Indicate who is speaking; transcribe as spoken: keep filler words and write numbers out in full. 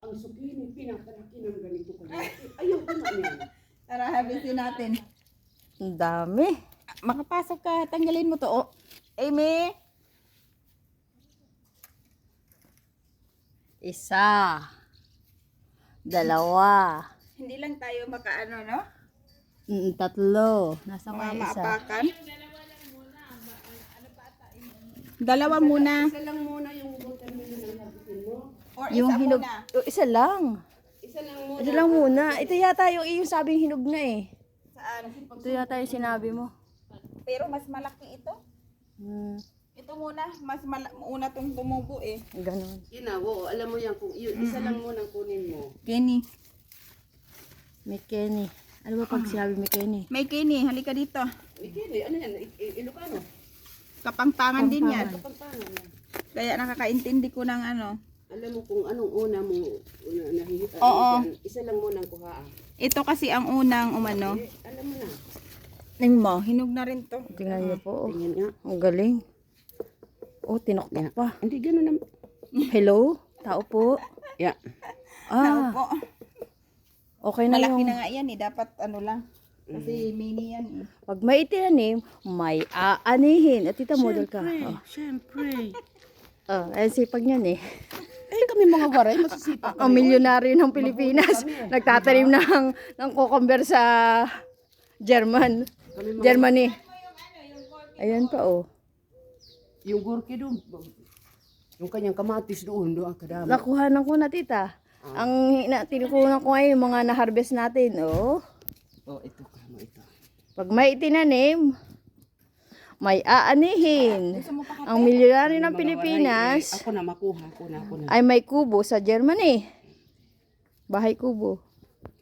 Speaker 1: ang sukini, pinakalaki ng ganito kalaki. Ayaw ko na yan.
Speaker 2: Tara, harvestin natin.
Speaker 3: Ang dami.
Speaker 2: Makapasok ka, tanggalin mo to. Oh. Amy!
Speaker 3: Isa. Dalawa.
Speaker 2: Hindi lang tayo makaano, no?
Speaker 3: Mm, tatlo. Nasa
Speaker 2: Mga
Speaker 3: kaya isa.
Speaker 2: maapakan. Dalawa muna.
Speaker 1: Isa lang muna yung watermelon ang habitin mo.
Speaker 2: Or
Speaker 3: Yung
Speaker 2: isa
Speaker 3: hinog.
Speaker 2: muna.
Speaker 3: Oh, isa lang.
Speaker 1: Isa lang muna.
Speaker 3: Isa lang muna. Ito yata yung iyong sabing hinog na eh.
Speaker 2: Saan?
Speaker 3: Ito yata yung sinabi mo.
Speaker 2: Pero mas malaki ito.
Speaker 3: Hmm.
Speaker 2: Ito muna, mas mala- una tong tumubo eh.
Speaker 3: Ganon.
Speaker 1: Yun na, oo, alam mo yan, kung yun, isa lang muna ang kunin mo.
Speaker 2: Kenny.
Speaker 3: May Kenny. Ano ba pag sinabi may Kenny?
Speaker 2: May Kenny, halika dito.
Speaker 1: Ikili, ano yan, I- I- Ilocano?
Speaker 2: Kapangpangan din yan.
Speaker 1: Kapampangan yan.
Speaker 2: Kaya nakakaintindi ko ng ano.
Speaker 1: Alam mo kung anong una mo una, nahihita.
Speaker 2: Oo.
Speaker 1: Isa lang muna ang kuhaan.
Speaker 2: Ito kasi ang unang umano.
Speaker 1: Eh, alam mo na.
Speaker 2: Ning mo, hinog na rin to.
Speaker 3: Tingnan niyo po. Oh.
Speaker 1: Tingin nga.
Speaker 3: Ang galing. Oh, tinoktok pa.
Speaker 1: Hindi ganun naman.
Speaker 3: Hello? Tao po?
Speaker 1: Yeah.
Speaker 3: Ah,
Speaker 2: Opo.
Speaker 3: okay na
Speaker 2: Malaki
Speaker 3: yung...
Speaker 2: na nga yan eh. Dapat ano lang. Kasi mini yan eh.
Speaker 3: Pag may itinanim, may aanihin. At tita, model ka. Oh.
Speaker 1: Siyempre.
Speaker 3: Oh, ay sipag niyan eh.
Speaker 1: Eh, kami mga waray, masisipag
Speaker 3: Ang milyonaryo ng Pilipinas. Nagtatanim ng, ng cucumber sa German. Germany. Ayan pa oh.
Speaker 1: Yung gurke doon, yung kanyang kamatis doon, doon ang kadami.
Speaker 3: Nakuhanan ko na tita. Ang na, tinukunan ko ngayon yung mga na-harvest natin. Oh.
Speaker 1: Oh, ito kamo ito.
Speaker 3: Pag may itinanim, may aanihin.
Speaker 2: Gusto mo pa
Speaker 3: Ang milyonaryo ng
Speaker 1: Mga waray,
Speaker 3: Pilipinas
Speaker 1: eh, ako na makuha, ako na, ako na.
Speaker 3: ay may kubo sa Germany. Bahay kubo.